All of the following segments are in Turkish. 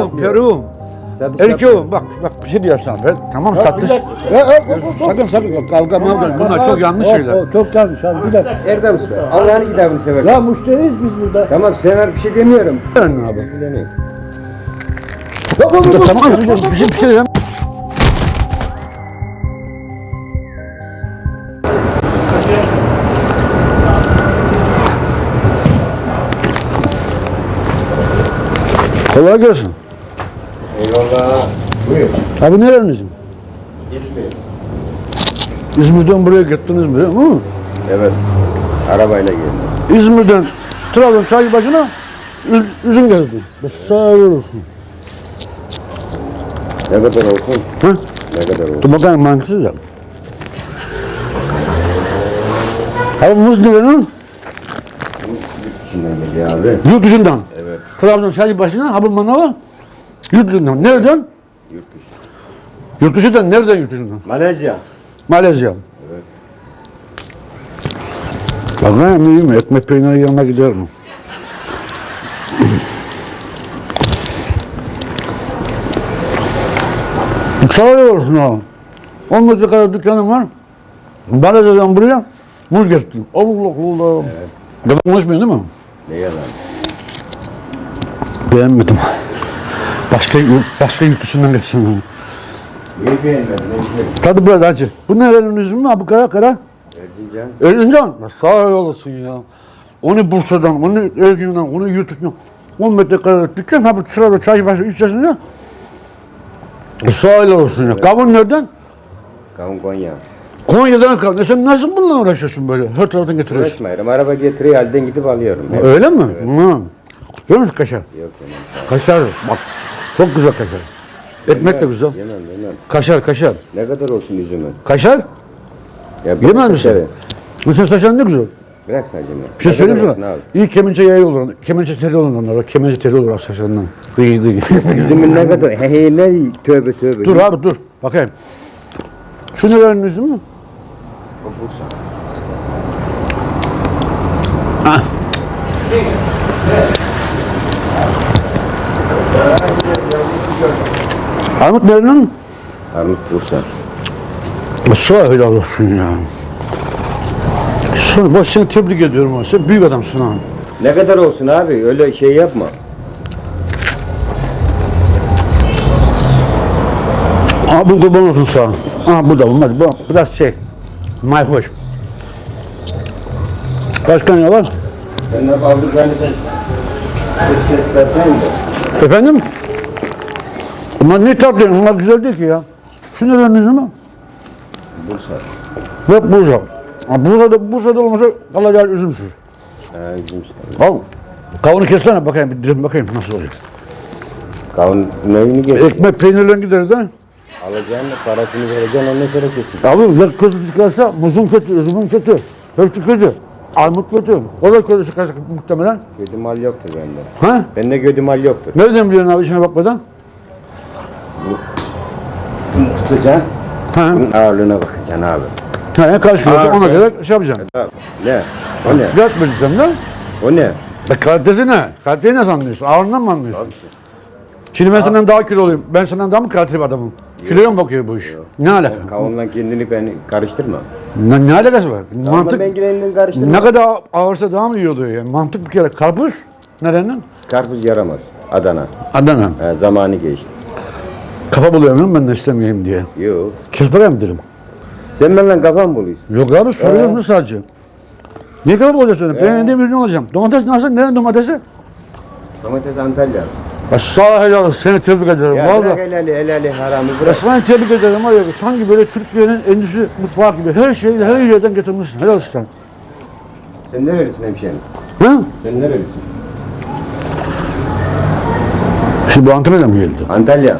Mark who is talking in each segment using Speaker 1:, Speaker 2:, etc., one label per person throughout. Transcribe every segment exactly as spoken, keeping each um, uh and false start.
Speaker 1: Peru, Peru. Erkeğim bak bak bir şey diyor sana. Ben, tamam satış. Sakın sakın kavga mavga bunlar çok yanlış şeyler.
Speaker 2: O, çok yanlış abi bir dakika.
Speaker 3: Erdem Usta, Allah'ın kitabını seversen.
Speaker 2: Ya müşteriyiz biz burada.
Speaker 3: Tamam sever bir şey demiyorum.
Speaker 1: Ben abi.
Speaker 3: Bilemeyim.
Speaker 1: Tamam bir şey bir şey diyeceğim. Kolay gelsin.
Speaker 3: Eyvallah. Buyur.
Speaker 1: Abi nerenizin?
Speaker 3: İzmir.
Speaker 1: İzmir'den buraya gittiniz mi? Hı?
Speaker 3: Evet. Arabayla geldim.
Speaker 1: İzmir'den Trabzon Çaybaşı'na üzüm geldi. Sağ olsun.
Speaker 3: Ne kadar olsun?
Speaker 1: Hı?
Speaker 3: Ne kadar olsun?
Speaker 1: Dur bakayım hangisi de. Abi muz nerenin?
Speaker 3: İçinden geliyor abi.
Speaker 1: Yurt dışından.
Speaker 3: Evet.
Speaker 1: Trabzon Çaybaşı'na Habur Manav'a yurt dışından. Nereden?
Speaker 3: Yurt dışı.
Speaker 1: Yurt dışından. Nereden yurt dışından?
Speaker 3: Malezya.
Speaker 1: Malezya.
Speaker 3: Evet.
Speaker 1: Bakayım iyi mi? Ekmek peyniri yanına gider mi? Sağ olsun abi. on metrekare dükkanım var. Malezya'dan buraya muz getirdim. Allah Allah. Evet. Yalan konuşmuyor değil mi?
Speaker 3: Ne yalan?
Speaker 1: Beğenmedim. Başka, başka yurt dışından getirsin.
Speaker 3: Niye beğenmedin? Ne güzel.
Speaker 1: Tadı biraz acı. Bu nerenin üzümü mü? Bu kara kara.
Speaker 3: Erzincan.
Speaker 1: Erzincan. Sağ olasın ya. Onu Bursa'dan, onu Erzincan'dan, onu yurt dışından. on metrekare dükkan, ha bu sırada Çaybaşı ilçesinde. Sağ olsun ya. Kavun nereden?
Speaker 3: Kavun Konya.
Speaker 1: Konya'dan kavun. E sen nasıl bununla uğraşıyorsun böyle? Her taraftan getiriyorsun.
Speaker 3: Uğraşmayırım. Araba getiriyor halden gidip alıyorum. Evet.
Speaker 1: Öyle mi? Evet. Hı. Görüyor musun kaşar?
Speaker 3: Yok yemem.
Speaker 1: Kaşar. Bak. Çok güzel kaşar. Ekmek de güzel.
Speaker 3: Yemem yemem.
Speaker 1: Kaşar, kaşar.
Speaker 3: Ne kadar olsun üzümün?
Speaker 1: Kaşar?
Speaker 3: Ya
Speaker 1: Yemez misin? Mesela saçan ne güzel.
Speaker 3: Bırak sadece.
Speaker 1: Bir şey söyleyeyim mi sana? İyi kemençe yayı olur. Kemençe teli olur onlara. Kemençe teli olur saçlarından. Gıy gıy.
Speaker 3: Üzümün ne kadar? He he ne? Tövbe tövbe.
Speaker 1: Dur abi dur. Bakayım. Şu nelerin üzümü?
Speaker 3: O Bursa.
Speaker 1: Ah. Armut nerenin?
Speaker 3: Armut Bursa.
Speaker 1: Sağ helal olsun ya. Sen, bak seni tebrik ediyorum. Sen büyük adamsın ha.
Speaker 3: Ne kadar olsun abi? Öyle şey yapma.
Speaker 1: Aa bu kurban olsun sağ ol. Aa bu da olmaz. Bu biraz şey. Mayhoş. Başka ne var?
Speaker 3: Ben de aldık ben de ses ses versene de.
Speaker 1: Efendim? Bunlar ne tatlı? Bunlar güzel değil ki ya. Şu nelerin üzümü?
Speaker 3: Bursa.
Speaker 1: Bak Bursa. Ha, Bursa'da, Bursa'da olmasa kalacağı üzümsüz.
Speaker 3: Ha üzüm.
Speaker 1: Al. Kavunu kessene bakayım bir dilim bakayım nasıl olacak.
Speaker 3: Kavun neyini geç.
Speaker 1: Ekmek peynirle gideriz ha.
Speaker 3: Alacaksın parasını vereceksin ondan sonra kesin.
Speaker 1: Abi ya kötü çıkarsa muzun kötü, üzümün kötü. Hepsi kötü. Armut kötü. O da kötü çıkarsa muhtemelen.
Speaker 3: Gödü mal yoktur bende.
Speaker 1: Ha?
Speaker 3: Bende gödü mal yoktur.
Speaker 1: Nereden biliyorsun abi içine bakmadan?
Speaker 3: Bunu tutacaksın.
Speaker 1: Ha?
Speaker 3: Bunun ağırlığına bakacaksın abi.
Speaker 1: Ha, kaç kilo
Speaker 3: Ağır,
Speaker 1: ona
Speaker 3: evet.
Speaker 1: göre şey yapacaksın.
Speaker 3: Abi, ne? O ne?
Speaker 1: Fiyat vereceğim lan.
Speaker 3: O ne?
Speaker 1: E kalitesi ne? Kaliteyi nasıl anlıyorsun? Ağırlığından mı anlıyorsun?
Speaker 3: Abi,
Speaker 1: Şimdi ben senden daha kiloluyum. Ben senden daha mı kaliteli bir adamım? Kiloya mı bakıyor bu iş? Ne alaka?
Speaker 3: Kavunla kendini ben karıştırma.
Speaker 1: Ne, ne alakası var?
Speaker 3: Kavunla
Speaker 1: Mantık
Speaker 3: ben kendini karıştırma.
Speaker 1: ne kadar ağırsa daha mı iyi oluyor yani? Mantık bir kere. Karpuz nerenin?
Speaker 3: Karpuz yaramaz. Adana.
Speaker 1: Adana.
Speaker 3: Ha, zamanı geçti.
Speaker 1: Kafa buluyorum ben de istemeyeyim diye.
Speaker 3: Yok.
Speaker 1: Kes bakayım dedim.
Speaker 3: Sen benden kafan buluyorsun.
Speaker 1: Yok abi soruyorum
Speaker 3: Ee?
Speaker 1: sadece. Niye kafa bulacaksın?
Speaker 3: Ee?
Speaker 1: Beğendiğim ürün alacağım. Domates nasıl? Nerenin domatesi?
Speaker 3: Domates Antalya.
Speaker 1: Ya sağ ol helal olsun. Seni tebrik ederim.
Speaker 3: Ya
Speaker 1: Vallahi.
Speaker 3: bırak helali helali haramı
Speaker 1: Ya
Speaker 3: bırak.
Speaker 1: seni tebrik ederim var ya. Sanki böyle Türkiye'nin endüstri mutfağı gibi her şeyi her yerden getirmişsin. Helal olsun.
Speaker 3: Sen nerelisin hemşehrim?
Speaker 1: Ha?
Speaker 3: Sen nerelisin?
Speaker 1: Şimdi bu Antalya'dan mı geldi?
Speaker 3: Antalya.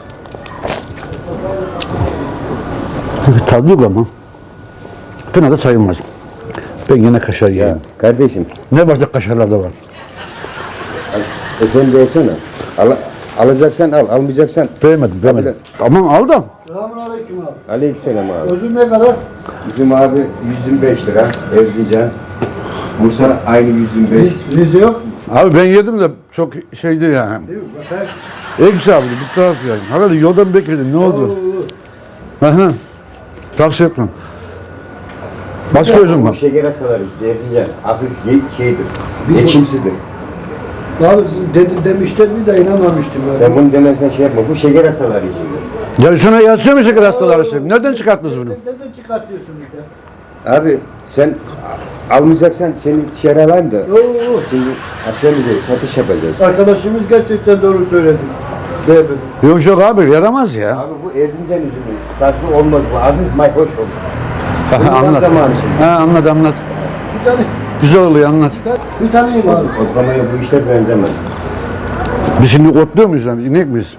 Speaker 1: Tadı yok ama. Fena da sayılmaz. Ben yine kaşar
Speaker 3: Ya
Speaker 1: yiyeyim.
Speaker 3: kardeşim.
Speaker 1: Ne başka kaşarlar da var.
Speaker 3: al- Efendi olsana. Al, alacaksan al, almayacaksan.
Speaker 1: Beğenmedim, beğenmedim. Aman al da.
Speaker 2: Selamünaleyküm abi.
Speaker 3: Aleykümselam abi.
Speaker 2: Özüm ne kadar?
Speaker 3: Bizim abi yüz yirmi beş lira. Erzincan. Bursa aynı yüz yirmi beş.
Speaker 2: Riz, Rize yok mu?
Speaker 1: Abi ben yedim de çok şeydi yani.
Speaker 2: Değil mi? Bak her
Speaker 1: Ekşi abi bu taraf yani. Herhalde yoldan bekledin ne oldu? Aha. Tavsiye etmem. Başka özüm
Speaker 3: Bu
Speaker 1: var.
Speaker 3: şeker hastaları Erzincan hafif ye- şeydir. Ekşimsidir.
Speaker 2: Abi dedi, demişlerdi de inanmamıştım.
Speaker 3: Ben
Speaker 2: Yani.
Speaker 3: bunu demezsen şey yapma. Bu şeker hastaları içindir.
Speaker 1: Ya şuna yazıyor mu şeker hastaları şimdi? Nereden çıkarttınız bunu?
Speaker 2: Neden çıkartıyorsunuz ya?
Speaker 3: Abi sen a- almayacaksan seni dışarı alayım da.
Speaker 2: Oo, oo.
Speaker 3: Şimdi akşam üzeri satış yapacağız.
Speaker 2: Arkadaşımız gerçekten doğru söyledi. Beğenmedim.
Speaker 1: Yok yok abi yaramaz ya.
Speaker 3: Abi bu Erzincan üzümü. Tatlı olmaz bu. Hafif mayhoş olur. Bunun
Speaker 1: Anlat.
Speaker 3: zamanı şimdi.
Speaker 1: Ha, anlat anlat.
Speaker 2: Bir tane,
Speaker 1: Güzel oluyor anlat.
Speaker 2: bir, tane, bir taneyim abi.
Speaker 3: Otlamaya bu işler benzemez.
Speaker 1: Biz şimdi otluyor muyuz yani? İnek miyiz?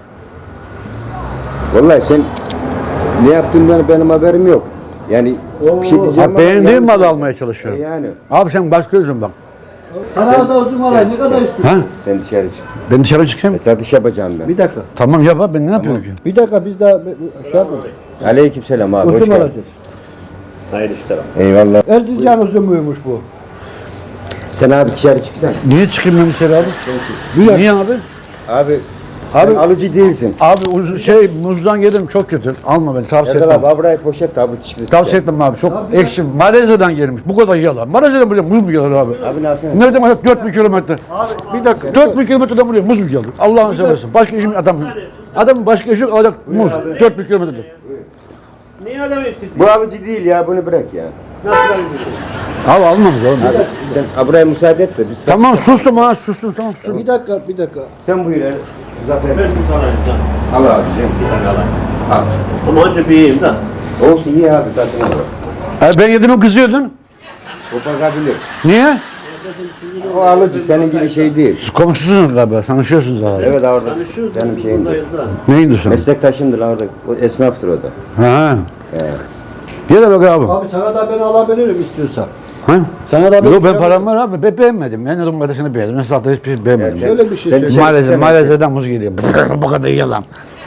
Speaker 3: Vallahi sen ne yaptığından benim haberim yok. Yani bir şey diyeceğim
Speaker 1: Ha,
Speaker 3: ama
Speaker 1: beğendiğim
Speaker 3: yani-
Speaker 1: malı almaya çalışıyorum.
Speaker 3: E Yani
Speaker 1: Abi sen başka üzüm bak.
Speaker 2: Sana da uzun alay ne kadar istiyorsun?
Speaker 1: Ha?
Speaker 3: sen dışarı çık.
Speaker 1: Ben dışarı çıkayım.
Speaker 3: E, satış yapacağım ben.
Speaker 2: Bir dakika.
Speaker 1: Tamam yap abi ben ne yapıyorum ki?
Speaker 2: Bir dakika biz daha şey yapmadık.
Speaker 3: Aleykümselam abi. hoş
Speaker 2: Uzun
Speaker 3: geldin.
Speaker 2: alacağız.
Speaker 4: Hayırlı işler abi.
Speaker 3: Eyvallah.
Speaker 2: Erzincan uzunmuymuş bu.
Speaker 3: Sen abi dışarı çıksan.
Speaker 1: Niye çıkayım ben dışarı abi? Niye abi?
Speaker 3: Abi
Speaker 1: Abi-
Speaker 3: sen alıcı değilsin.
Speaker 1: Abi uz- şey muzdan yedim çok kötü. Alma beni tavsiye
Speaker 3: Erdal
Speaker 1: etmem.
Speaker 3: abi abraya poşet abi çıktı.
Speaker 1: Tavsiye etmem abi çok ekşi. Malezya'dan gelmiş. Bu kadar yalan. Malezya'dan buraya muz mu gelir abi?
Speaker 3: Abi nasıl?
Speaker 1: Nereden baksak dört bin kilometre.
Speaker 2: Bir dakika.
Speaker 1: dört bin kilometreden buraya muz mu gelir? Allah'ını seversen. Başka işim adam. Adamın başka işi yok alacak muz. dört bin kilometreden.
Speaker 4: Niye adam eksik?
Speaker 3: Bu alıcı değil ya bunu bırak ya.
Speaker 4: Nasıl alıcı?
Speaker 1: Abi almamız oğlum.
Speaker 3: Abi sen abraya müsaade et de biz
Speaker 1: Tamam sustum ha sustum tamam sustum.
Speaker 2: Bir dakika bir dakika.
Speaker 3: sen buyur er. Zafer.
Speaker 4: Ben bir tane alacağım.
Speaker 3: Al abicim.
Speaker 4: Bir tane alayım.
Speaker 3: Al.
Speaker 4: Ama önce bir yiyeyim de.
Speaker 3: Olsun iyi abi tadına bak.
Speaker 1: E, ben yedim kızıyordun.
Speaker 3: Kopakabilir.
Speaker 1: Niye?
Speaker 3: O alıcı senin gibi şey değil.
Speaker 1: Siz komşusunuz galiba. Tanışıyorsunuz abi.
Speaker 3: Evet orada.
Speaker 4: Tanışıyoruz.
Speaker 3: Benim şeyimdir.
Speaker 4: Buradayız da.
Speaker 1: Neydi sen?
Speaker 3: Meslektaşımdır lan orada. O esnaftır o da.
Speaker 1: Ha.
Speaker 3: Evet.
Speaker 1: Gel de bak abi.
Speaker 2: Abi sana da ben alabilirim istiyorsan.
Speaker 1: Ha?
Speaker 2: Sana da
Speaker 1: Yok ben param var abi. Ben beğenmedim. Ben dedim kardeşini beğendim. Ben zaten hiçbir şey beğenmedim.
Speaker 3: Sen-
Speaker 2: Şöyle bir şey
Speaker 3: sen
Speaker 2: söyle.
Speaker 3: dışarı
Speaker 1: Malezya,
Speaker 3: çıksana.
Speaker 1: Malezya'dan muz geliyor. Bu kadar yalan.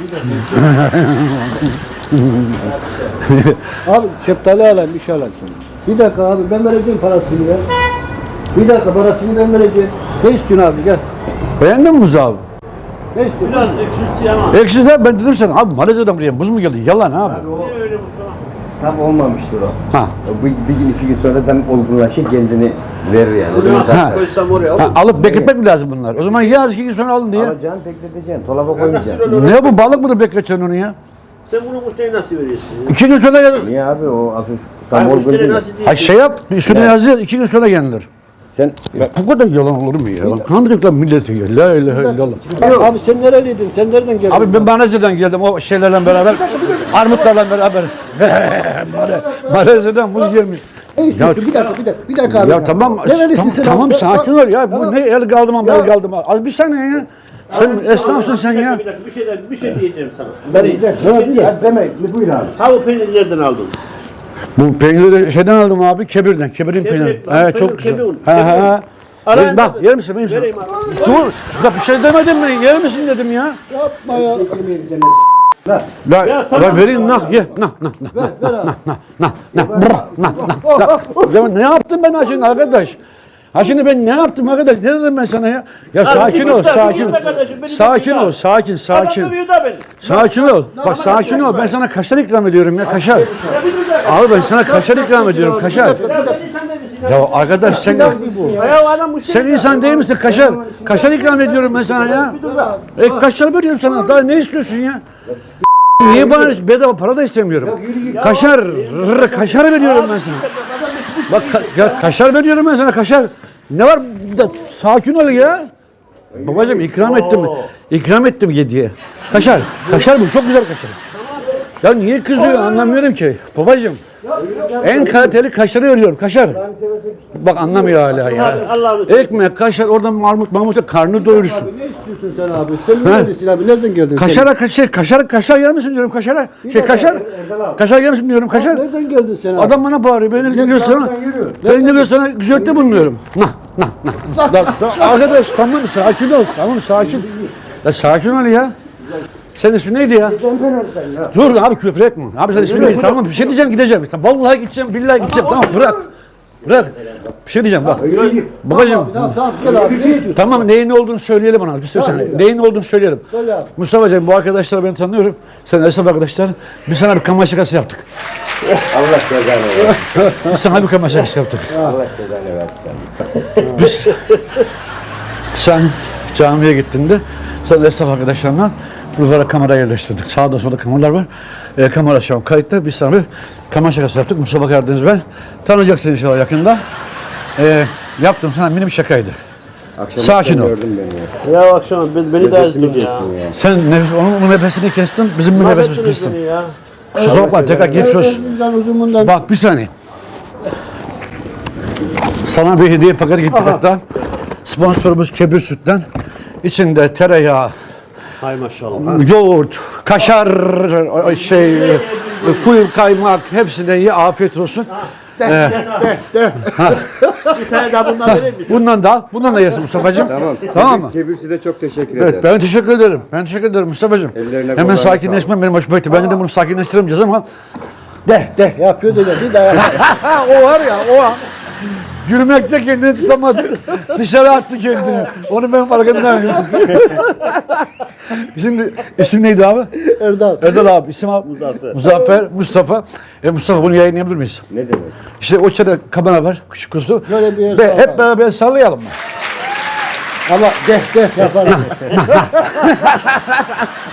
Speaker 2: Abi şeftali alayım bir şey alayım sana. Bir dakika abi ben vereceğim parasını ya. Bir dakika parasını ben vereceğim. Ne istiyorsun abi gel.
Speaker 1: Beğendin mi muzu abi?
Speaker 2: Ne istiyorsun?
Speaker 4: Biraz ekşisi ama.
Speaker 1: Eksi de ben dedim sana abi Malezya'dan buraya muz mu geldi? Yalan abi.
Speaker 4: Niye öyle Mustafa?
Speaker 3: Tam olmamıştır o.
Speaker 1: Ha.
Speaker 3: Bu bir gün iki gün sonra tam olgunlaşır kendini verir yani. O zaman
Speaker 4: Nasıl
Speaker 1: Ha.
Speaker 4: koysam oraya
Speaker 1: Ha,
Speaker 4: olur.
Speaker 1: alıp bekletmek mi lazım bunlar? O zaman yaz iki gün sonra alın diye.
Speaker 3: alacaksın, bekleteceksin, dolaba
Speaker 4: Nasıl
Speaker 3: koymayacaksın.
Speaker 4: öyle olur?
Speaker 1: Ne bu balık mı da bekleteceksin onu ya?
Speaker 4: Sen bunu müşteriye nasıl veriyorsun?
Speaker 1: İki gün sonra gel.
Speaker 3: Niye abi o hafif tam
Speaker 4: Hayır,
Speaker 3: olgun
Speaker 4: müşteri
Speaker 3: değil.
Speaker 4: nasıl değil?
Speaker 1: Ha şey yap, üstüne
Speaker 3: Evet.
Speaker 1: yazıyor, iki gün sonra gelinir.
Speaker 3: Sen
Speaker 1: Ya, bu kadar yalan olur mu ya? Lan kandırıyorlar milleti ya. La ilahe illallah.
Speaker 2: Abi sen nereliydin? Sen nereden geldin?
Speaker 1: Abi ben Malezya'dan geldim o şeylerle beraber. Armutlarla beraber. Male- Malezya'dan muz gelmiş.
Speaker 2: Ne istiyorsun? Bir dakika bir dakika. Bir dakika abi.
Speaker 1: Ya tamam,
Speaker 2: Nerelisin
Speaker 1: tamam,
Speaker 2: sen
Speaker 1: tamam
Speaker 2: abi?
Speaker 1: sakin ol ya. Bu
Speaker 2: Tamam.
Speaker 1: ne el kaldım ama el kaldım. Az bir saniye ya. Sen esnafsın sen ya.
Speaker 4: Bir dakika bir şey, bir şey diyeceğim sana.
Speaker 2: Ben
Speaker 4: Bir
Speaker 2: bir
Speaker 4: şey
Speaker 2: dakika. Bir dakika.
Speaker 3: az deme, buyur abi.
Speaker 4: Ha bu peyniri nereden aldın?
Speaker 1: Bu peyniri şeyden aldım abi, Kebir'den. Kebir'in
Speaker 4: Kebir,
Speaker 1: peyniri.
Speaker 4: lan,
Speaker 1: Evet çok
Speaker 4: peynir,
Speaker 1: güzel.
Speaker 4: Kebir.
Speaker 1: Ha ha ha.
Speaker 4: Arayın
Speaker 1: Verin, Bak
Speaker 4: tabii.
Speaker 1: yer misin? Vereyim sana.
Speaker 4: Vereyim abi.
Speaker 1: Dur. Ya bir şey demedim mi? Yer misin dedim ya.
Speaker 2: Yapma ya.
Speaker 1: La,
Speaker 4: Ya,
Speaker 1: la
Speaker 4: tamam.
Speaker 1: vereyim nah ye nah nah nah
Speaker 2: Ver ver abi.
Speaker 1: nah nah brah, nah nah nah. Ya ne yaptım ben ha şimdi arkadaş? Ha şimdi ben ne yaptım arkadaş? Ne dedim ben sana ya? Ya sakin
Speaker 4: bir
Speaker 1: ol,
Speaker 4: git lan, bir
Speaker 1: sakin ol.
Speaker 4: gitme kardeşim, beni
Speaker 1: Sakin
Speaker 4: gitme
Speaker 1: ol,
Speaker 4: lan.
Speaker 1: sakin, sakin.
Speaker 4: Adam dövüyor da beni.
Speaker 1: Sakin ol. Bak sakin ol. Ben sana kaşar ikram ediyorum ya kaşar.
Speaker 4: Ya bir dur da.
Speaker 1: Abi ben sana kaşar ikram ediyorum kaşar.
Speaker 4: Ya sen insan değil misin?
Speaker 1: Ya arkadaş sen
Speaker 4: Ya adam müşteri.
Speaker 1: sen insan değil misin kaşar? Kaşar ikram ediyorum ben sana ya. E kaşar veriyorum sana. Daha ne istiyorsun ya? Niye bana bedava para da istemiyorum. Kaşar, rrr, kaşar veriyorum ben sana. Bak ka- ya kaşar veriyorum ben sana kaşar. Ne var? Da, sakin ol ya. Babacığım ikram ettim. İkram ettim yediye. Kaşar. Kaşar bu çok güzel kaşar. Ya niye kızıyor anlamıyorum ki. Babacığım. En kaliteli kaşarı veriyorum. Kaşar. Bak anlamıyor hala ya.
Speaker 4: Allah'ını seversen.
Speaker 1: Ekmek, kaşar, oradan Mahmut Mahmut'a karnı doyurursun.
Speaker 2: Abi ne istiyorsun sen abi? Sen nerelisin abi? Nereden geldin?
Speaker 1: Kaşara kaşar, kaşar, kaşar yer misin diyorum kaşara. Şey kaşar, kaşar yer misin diyorum
Speaker 2: sen?
Speaker 1: kaşar.
Speaker 2: Nereden geldin sen abi?
Speaker 1: Adam bana bağırıyor. Ben ne diyor sana? Ben ne diyor sana? Güzellikte bulunuyorum. Nah, nah, nah. Da- da- Arkadaş tamam sakin ol. Tamam sakin. Ya sakin ol ya. Senin ismin neydi ya? Dur abi küfür etme. Abi sen ismin neydi? Tamam bir şey diyeceğim gideceğim. Vallahi gideceğim, billahi gideceğim. Tamam bırak. Bırak. Bir şey diyeceğim bak. Babacığım.
Speaker 2: Tamam tamam gel abi. Ne istiyorsun?
Speaker 1: Tamam neyin ne olduğunu söyleyelim ona. Bir söylesene.
Speaker 2: Tamam.
Speaker 1: Neyin ne olduğunu söyleyelim.
Speaker 2: Söyle abi.
Speaker 1: Mustafa'cığım bu arkadaşlar ben tanıyorum. Sen esnaf arkadaşlar. Biz sana bir kamera şakası yaptık.
Speaker 3: Allah cezanı versin.
Speaker 1: Biz sana bir kamera şakası yaptık.
Speaker 3: Allah cezanı versin.
Speaker 1: Biz sen camiye gittiğinde sen esnaf arkadaşlarla buralara kamera yerleştirdik. Sağda solda kameralar var. E, kamera şu an kayıtta. Biz sana bir kamera şakası yaptık. Mustafa Karadeniz ben. Tanıyacaksın inşallah yakında. E, yaptım sana mini bir şakaydı.
Speaker 3: Akşam
Speaker 1: Sakin ol.
Speaker 3: gördün beni ya.
Speaker 4: Ya akşam biz beni de
Speaker 3: Nefesimi
Speaker 4: ezdin ya.
Speaker 3: kestin ya.
Speaker 1: Sen nefes, onun, onun nefesini kestin, bizim bir nefesimizi
Speaker 4: Mahvettiniz
Speaker 1: kestin.
Speaker 4: beni ya.
Speaker 1: Kusura bakma tekrar geçiyoruz.
Speaker 2: Uzundan uzundan.
Speaker 1: Bak bir saniye. Sana bir hediye paketi gittik hatta. Sponsorumuz Kebir Süt'ten. İçinde tereyağı,
Speaker 4: Hay maşallah.
Speaker 1: yoğurt, kaşar, şey, kuyu kaymak hepsine iyi afiyet olsun.
Speaker 4: Bir tane daha bundan verir misin?
Speaker 1: Bundan da al, bundan da yersin Mustafa'cığım.
Speaker 3: Tamam.
Speaker 1: Tamam mı?
Speaker 3: Kebirsi de çok teşekkür
Speaker 1: Evet,
Speaker 3: ederim.
Speaker 1: ben teşekkür ederim. Ben teşekkür ederim Mustafa'cığım.
Speaker 3: Ellerine,
Speaker 1: Hemen
Speaker 3: kollarına
Speaker 1: sakinleşmem benim hoşuma gitti. Bence de bunu sakinleştiremeyeceğiz ama
Speaker 2: De de yapıyor da bir daha.
Speaker 1: o var ya o an gülmekte kendini tutamadı. Dışarı attı kendini. Onu ben farkındayım. Şimdi isim neydi abi?
Speaker 2: Erdal.
Speaker 1: Erdal abi. İsim abi?
Speaker 4: Muzaffer.
Speaker 1: Muzaffer, Mustafa. E Mustafa bunu yayınlayabilir miyiz?
Speaker 3: Ne demek?
Speaker 1: İşte o içeride kamera var. Küçük kuzu.
Speaker 2: Şöyle bir el
Speaker 1: Ve
Speaker 2: salla.
Speaker 1: hep beraber sallayalım mı?
Speaker 2: Ama de de yaparım.